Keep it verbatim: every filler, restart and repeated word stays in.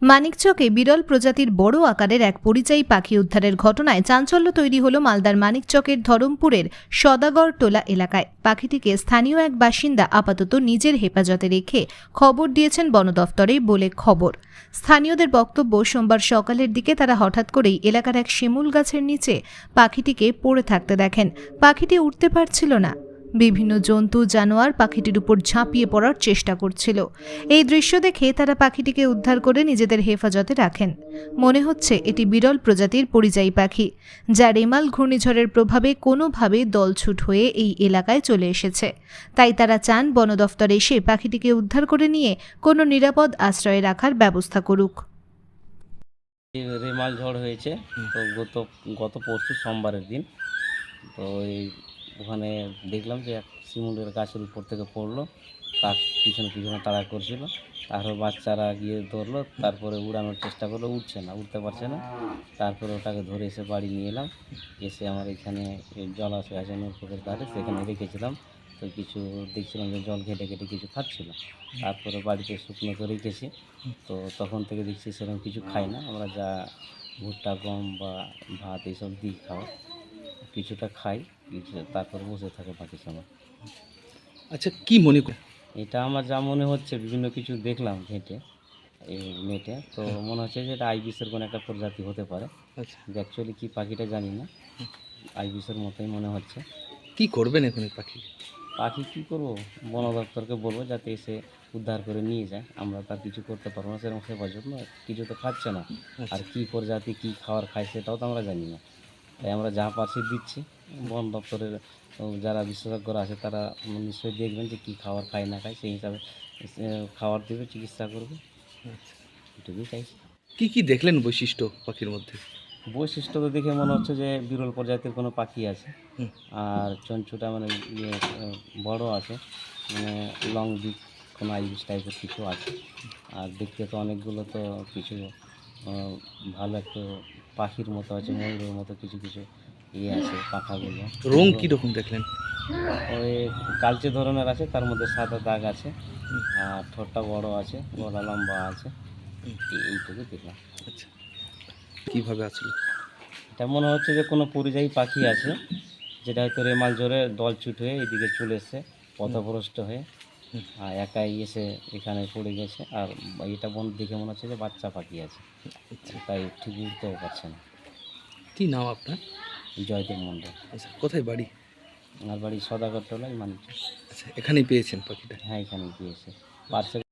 মানিকচকে বিরল প্রজাতির বড় আকারের এক পরিযায়ী পাখি উদ্ধারের ঘটনায় চাঞ্চল্য তৈরি হল মালদার মানিকচকের ধরমপুরের সদাগর টোলা এলাকায়। পাখিটিকে স্থানীয় এক বাসিন্দা আপাতত নিজের হেফাজতে রেখে খবর দিয়েছেন বন দফতরে বলে খবর। স্থানীয়দের বক্তব্য, সোমবার সকালের দিকে তারা হঠাৎ করেই এলাকার এক শিমুল গাছের নিচে পাখিটিকে পড়ে থাকতে দেখেন। পাখিটি উঠতে পারছিল না। বিভিন্ন জন্তু জানোয়ার পাখিটির উপর ঝাঁপিয়ে পড়ার চেষ্টা করছিল। এই দৃশ্য দেখে তারা পাখিটিকে উদ্ধার করে নিজেদের হেফাজতে রাখেন। মনে হচ্ছে এটি বিরল প্রজাতির পরিযায়ী পাখি, যা রেমাল ঘূর্ণিঝড়ের প্রভাবে কোনোভাবে দলছুট হয়ে এই এলাকায় চলে এসেছে। তাই তারা চান বন দফতর এসে পাখিটিকে উদ্ধার করে নিয়ে কোনো নিরাপদ আশ্রয়ে রাখার ব্যবস্থা করুক। রেমাল ঝড় হয়েছে তো গত গত পরশু সোমবারের দিন। তো এই ওখানে দেখলাম যে এক শিমুলের গাছের উপর থেকে পড়লো, কাক পিছনে পিছনে তাড়া করছিল। তারপর বাচ্চারা গিয়ে ধরলো, তারপরে উড়ানোর চেষ্টা করলো, উঠছে না, উঠতে পারছে না। তারপরে ওটাকে ধরে এসে বাড়ি নিয়ে এলাম। এসে আমার এখানে জলাশয় আছে নৌকোকের ধারে, সেখানে রেখেছিলাম। তো কিছু দেখছিলাম যে জল ঘেটে ঘেটে কিছু খাচ্ছিল। তারপরে বাড়িতে শুকনো করে রেখেছি। তো তখন থেকে দেখছি সেরকম কিছু খাই না, আমরা যা ভুট্টা গম বা ভাত এইসব দিই খাওয়া, কিছুটা খাই, কিছু তারপর বসে থাকে বাকি সময়। আচ্ছা, কি মনে করেন? এটা আমার যা মনে হচ্ছে, বিভিন্ন কিছু দেখলাম ঘেঁটে এই নেটে, তো মনে হচ্ছে যে এটা আইবিসের কোনো একটা প্রজাতি হতে পারে। আচ্ছা, অ্যাকচুয়ালি কী পাখিটা জানি না, আইবিসের মতোই মনে হচ্ছে। কি করবেন এখন এই পাখি? পাখি কী করবো, বন দপ্তরকে বলবো যাতে এসে উদ্ধার করে নিয়ে যায়। আমরা তার কিছু করতে পারবো না, সেরকম সেবার জন্য কিছু তো খাচ্ছে না। আর কী প্রজাতি কী খাবার খায় সেটাও তো আমরা জানি না। তাই আমরা যা পারছি দিচ্ছি। বন দপ্তরের যারা বিশেষজ্ঞরা আছে তারা নিশ্চয়ই দেখবেন যে কী খাবার খায় না খায়, সেই হিসাবে খাবার দেবে, চিকিৎসা করবে। এটুকুই চাইছি। কি কি দেখলেন বৈশিষ্ট্য পাখির মধ্যে? বৈশিষ্ট্য তো দেখে মনে হচ্ছে যে বিরল প্রজাতির কোনো পাখি আছে। হুম। আর চঞ্চুটা মানে ইয়ে বড় আছে, মানে লং বিক কোনো আইবিস টাইপের কিছু আছে। আর দেখতে তো অনেকগুলো তো কিছু আহ, ভালো একটু পাখির মতো আছে, ময়ূরের মতো কিছু কিছু ইয়ে আছে পাখাগুলো। রং কি রকম দেখলেন? ওই কালচে ধরনের আছে, তার মধ্যে সাদা দাগ আছে। আর ঠোঁটটা বড় আছে, গলা লম্বা আছে। এই- এইটুকু দেখলাম। আচ্ছা, কিভাবে আসলো? এটা মনে হচ্ছে যে কোনো পরিযায়ী পাখি আছে, যেটা হয়তো রেমাল ঝড়ে দলছুট হয়ে এদিকে চলে এসছে, পথভ্রষ্ট হয়ে। আর একাই এসে এখানে পড়ে গেছে। আর এটা বন দেখে মনে হচ্ছে যে বাচ্চা পাখি আছে, তাই ঠিক উঠতেও পারছে না। কি নাম আপনার? জয়দেব মণ্ডল। আচ্ছা, কোথায় বাড়ি? আমার বাড়ি সদাগর টোলায়, মানিক। আচ্ছা, এখানেই পেয়েছেন পাখিটা? হ্যাঁ, এখানে গিয়েছে পার্সেল